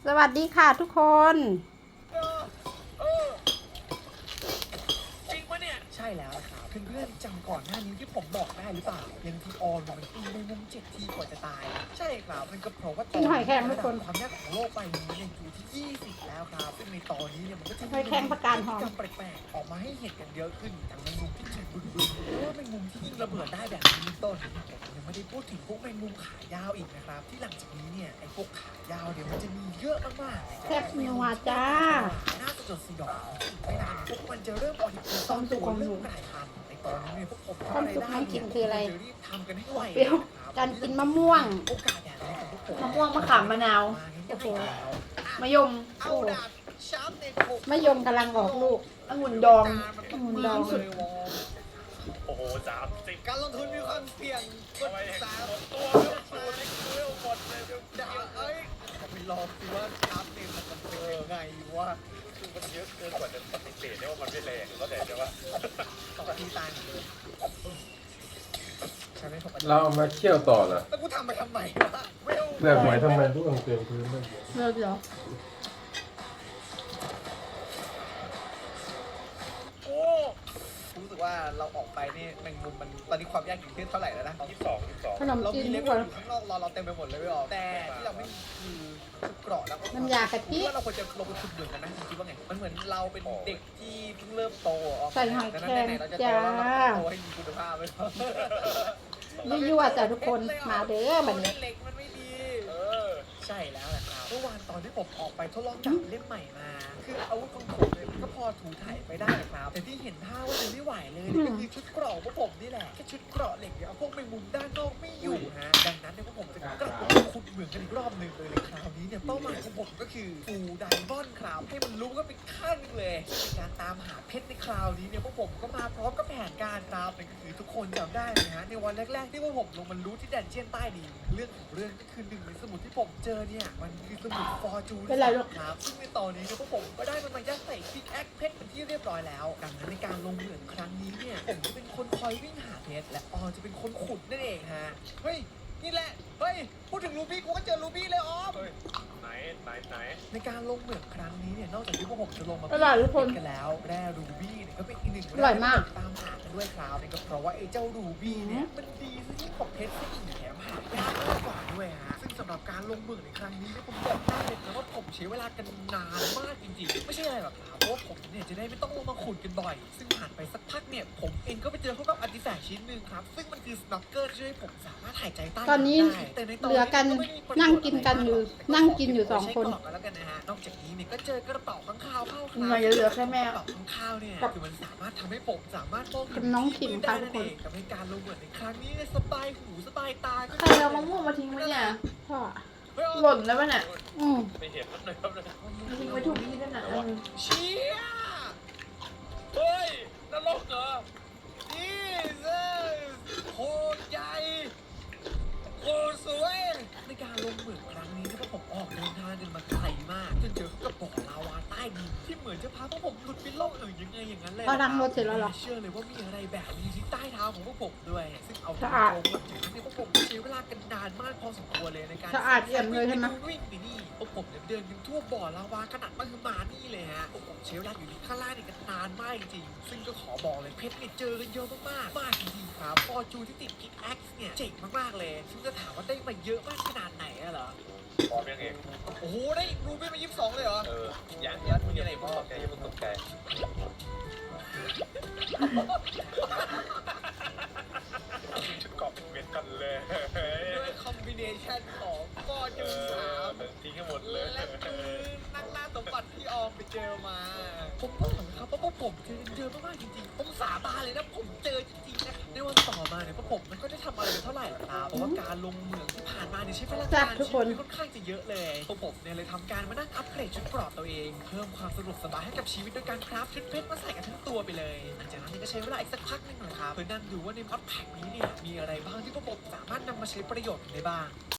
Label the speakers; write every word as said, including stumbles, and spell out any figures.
Speaker 1: สวัสดีค่ะทุกคน
Speaker 2: เออเออจริงปะเนี่ยใช่แล้วนะครับเพื่อนๆจำก่อนหน้านี้ที่ผมบอกได้หรือเปล่ายังที่ออนมันตีในมุมเจ็ดทีกว่าจะตายใช่ครับมันก็เพราะว่าตอน
Speaker 1: กินหอยแครงทุกคน
Speaker 2: ความยากของโลกใบนี้เนี่ยอยู่ที่ยี่สิบแล้วครับซึ่งในตอนนี้เนี่ยมันก็จะ
Speaker 1: หอยแครงประการหอม
Speaker 2: พฤติกรรมแปลกๆออกมาให้เห็นกันเยอะขึ้นทั้งแมงมุมที่ฉกบึ้งๆหรือว่าแมงมุมที่ยิงระเบิดได้แบบนี้เป็นต้นยังไม่ได้พูดถึงพวกแมงมุมขายาวอีกนะครับที่หลังจากนี้เนี่ยไอ้พวกขายาวเดี๋ยวมันจะมีเยอะมากๆ
Speaker 1: แซ่บนัวจ้า
Speaker 2: น่าสยดสยองไม่นานพวกมันจะเริ่มออกอีกตอนตัวเริ่มกลายพันธุ์ในตอนนี้เนี่ยพวกผม
Speaker 1: ความสุขน้ำกินคืออะไร
Speaker 2: จะรีบทำกันให้ไว
Speaker 1: เปรี้ยวการกินมะม่วง
Speaker 2: โอกาสแบบนี้ของพวกผม
Speaker 3: มะม่วงมะขามมะนาว
Speaker 1: โอ้โห
Speaker 3: มะยม
Speaker 2: เอาดาบช้ำในโคก
Speaker 1: มะยมกำลังออกลูก
Speaker 3: องุ่นดอง
Speaker 1: องุ่นดอง
Speaker 2: สุด
Speaker 4: โอ้โหสามสิบ
Speaker 2: การลงทุนมีความเสี่ยงกดสาม
Speaker 4: ตัวเลือกตัวเล็กตัวหมดเลยเดี๋ยว
Speaker 2: ดาวเอ้ยไปลองสิว่าช้ำเนี่ยมันเป็นยังไงวะ
Speaker 4: คือมันเยอะเกินกว่าจะปฏิเสธได้ว่ามันไม่แรงก็แต่จะว่า
Speaker 2: ต่อที่ตายหมดเลยใช่ไหมผม
Speaker 5: เราเอามาเคี่ยวต่อเหรอ
Speaker 2: แล้วกูทำไปทำไมวะเวล
Speaker 5: เปลือกหอยทำไมทุกคนเต็มพื้นเลย
Speaker 1: เลิกเหรอ
Speaker 2: โอ้รู้สึกว่าเราออกไปนี่แมงมุมมันตอนนี้ความยากอยู่ที่เท่าไหร่แล้วนะ
Speaker 4: ยี่สิบสองยี่สิบสอง
Speaker 1: ขนม
Speaker 2: เรา
Speaker 1: จีน
Speaker 2: มีเล
Speaker 1: ทุก
Speaker 2: เว
Speaker 1: ค
Speaker 2: ล
Speaker 1: น
Speaker 2: อยู่ข้างนอกรอเราเต็มไปหมดเลยไม่ออกแต่ที่เราไม่มีคือชุดเกราะแล้วก็
Speaker 1: น้ำยากะทิ
Speaker 2: ว่าเราควรจะลงไปขุดเหมืองกันนะคิดว่าไงมันเหมือนเราเป็นเด็กที่เพิ่งเริ่มโตออก
Speaker 1: ใส่หอยแครง
Speaker 2: ไหนๆเราจะโต
Speaker 1: จ้า
Speaker 2: แล้วเราโตให้มีคุณภาพไปก่อน
Speaker 1: ยั่วๆจ้ะทุกคนมาเด้อบัดนี้
Speaker 2: เหล็กมันไม่ดี
Speaker 4: เออ
Speaker 2: ใช่แล้วแหละครับเมื่อวานตอนที่ผมออกไปทดลองจับเล่มใหม่มา คืออาวุธของผมเนี่ยมันก็พอถูถ่ายไปได้ครับ แต่ที่เห็นท่าว่าจะไม่ไหวเลยเนี่ยก็คือชุดเกราะของพวกผมนี่แหละแค่ชุดเกราะเหล็กเนี่ยเอาพวกแมงมุมด้านนอกไม่อยู่ฮะดังนั้นเนี่ยพวกผมจะกลับมาขุดเหมืองกันอีกรอบหนึ่งเลยเลยคราวนี้เนี่ยเป้าหมายของผมก็คือฟูไดมอนด์ครับให้มันรู้ก็เป็นข้างหนึงเลยในการตามหาเพชรในคราวนี้เนี่ยพวกผมก็มาพร้อมกับแผนการครับนั่นก็คือทุกคนจำได้ไหมฮะในวันแรกๆที่พวกผมลงมารู้ที่แดนเจียนใต้ดินเรื่องของเรื่องก็คือหนึ่งในสมุดที่ผมเจอเนี่ยมันคือสมุดฟอร์จูน
Speaker 1: เป็นไรลูก
Speaker 2: ครับซึ่งในตอนนี้เนี่ยพวกผมก็ได้มันมายัดใส่พิกแอคเพชรเป็นที่เรียบร้อยแล้วดังนั้นในการลงเหมืองครั้งนี้เนี่ยผมจะเป็นคนคอยวิ่งหาเพชรและออมจะเป็นคนขุดนั่นเองฮะเฮ้ยนี่แหละเฮ้ยพูดถึงรูบี้กูก็เจอรูบี้เลยออม
Speaker 4: เฮ้ยไหนไหนไหน
Speaker 2: ในการลงเหมืองครั้งนี้เนี่ยนอกจากที่พวกผมจะลงมา
Speaker 1: อร่อยทุกคน
Speaker 2: กันแล้วแร่รูบี้เนี่ยก็เป็นอีกหนึ่ง
Speaker 1: อร่อยมาก
Speaker 2: ตามหากันด้วยครับนี่ก็เพราะว่าไอ้เจ้ารูบี้เนี่ยมันดีซะยิ่งกว่าเพชรซะอีกแถมหายากมากกว่าด้วยฮะซึ่งสำหรับการลงเหมืองในครั้งนี้เนี่ยผมบอกได้เลยนะว่าผมใช้เวลากันนานมากจริงๆไม่ใช่อะไรหรอกครับเพราะว่าผมเนี่ยจะได้ไม่ต้องลงมาขุดกันบ่อย ซึ่งผ่านไปสักพักเนี่ยผมเองก็ไปเจอเข้ากับอาร์ติแฟกต์ชิ้นหนึ่งครับซึ่งมันคือสโนว์เกิลช่วยให้ผมสามารถหายใจใต้
Speaker 1: ตอนนี้
Speaker 2: ได้แต่ในต
Speaker 1: เหลือกันนั่งกินกันอยู่นั่งกินอยู่สองคน
Speaker 2: ใช้กรอบกันแล้วกันนะฮะนอกจากนี้เนี่ยก็เจอกระเป๋าข้างข้าวเข้าค
Speaker 3: เห
Speaker 2: รั
Speaker 3: ลือเหลือแค่แม่
Speaker 2: กระเป๋าข้างข้าวเนี่ยคือมันสามารถทำให้ผมสามารถมองเห็
Speaker 1: กับน้องขิม
Speaker 2: ได้
Speaker 1: ค่ะทุ
Speaker 2: นั่
Speaker 1: ก
Speaker 2: น
Speaker 1: คน
Speaker 2: เองทำให้การลงเหมือนในครั้งนี้เนี่ยสบายหูสบายตาก็
Speaker 3: ใครเอามะม่วงมาทิ้งไว้เนี่ย
Speaker 1: พ่อ
Speaker 2: เฮ้ย
Speaker 3: หล่นแล้วป่ะเนี่ย
Speaker 1: อืม
Speaker 4: ไม่เห็นมันเลยครับเลย
Speaker 3: มาทิ้งไว้ถูกที่นั่นน่ะเออ
Speaker 2: เชี่ย
Speaker 4: เฮ้ยนรกเหรอ
Speaker 2: นี่เซโคตรใหญ่โคตรสวยในการลงเหมืองครั้งนี้เนี่ยพวกผมออกเดินทางกันมาไกลมากจนเจอกับบ่อลาวาใต้ดินที่เหมือนจะพาพวกผมหลุดไปโลกอื่นยังไงอย่างนั้นเลย
Speaker 1: พอดังรถเสร็จแล้วเหรอ
Speaker 2: เชื่อเลยว่ามีอะไรแบบนี้ที่ใต้เท้าของพวกผมด้วย ซึ่งเอา
Speaker 1: สะอาด
Speaker 2: ตรงๆถึงที่พวกผมใช้เวลากันนานมากพอสมควรเลยในการ
Speaker 1: สะอาดเอี่ยมเลยใช่ไหม
Speaker 2: วิ่งไปนี่พวกผมเนี่ยเดินกันทั่วบ่อลาวาขนาดมหึมานี่เลยฮะพวกผมใช้เวลาอยู่ที่ข้างล่างนี่กันนานมากจริงๆซึ่งก็ขอบอกเลยเพชรเนี่ยเจอกันเยอะมากๆมากจริงๆครับฟอร์จูนที่ติดพิกแอ็กซ์เนี่ยเจ๋งมากๆเลยซึ่งจะถามว่าได้มาเยอะมากขนาดไหนอะเหรอ
Speaker 4: พร้อมยังเอง
Speaker 2: โอ้โหได้รูบี้มายี่สิบสองเลยเหรอ
Speaker 4: เออยังยังมีอะไรบ้างแกยังไม่ตกใจ ชุดเกาะเป็นเม็ดกันเลย
Speaker 2: ด้วยคอมบิเนชันของฟอร์
Speaker 4: เอ
Speaker 2: จูนสาม
Speaker 4: อทิ้งให้หมดเลย
Speaker 2: และคือนักล่าสมบัติที่ออมไปเจอมา ผมบอกนะครับว่าพวกผมเจอเจอมากๆจริงๆ ผมสาบานเลยนะผมเจอจริงๆนะในวันต่อมาเนี่ยพวกผมมันก็ได้ทำอะไรกันเท่าไหร่ล่ะครับเพราะว่าการลงเหมืองที่ผ่านมาเนี่ยใช้เวลา
Speaker 1: จั
Speaker 2: กา
Speaker 1: บ
Speaker 2: ร
Speaker 1: ทุกคน
Speaker 2: ชีวิตค่อนข้างจะเยอะเลยพวกผมเนี่ยเลยทำการมานั่งอัปเกรดชุดเกราะตัวเอง เพิ่มความสะดวกสบายให้กับชีวิตโดยการคราฟชุดเพชรมาใส่กันทั้งตัวไปเลยหลังจากนั้นเนี่ยก็ใช้เวลาอีกสักพักหนึงนะครับเพื่อนั่งดูว่าในม็อดแพ็กนี้เนี่ยมีอะไรบ้างที่พวกผมสามารถนำมาใช้ประโยชน์ได้บ้าง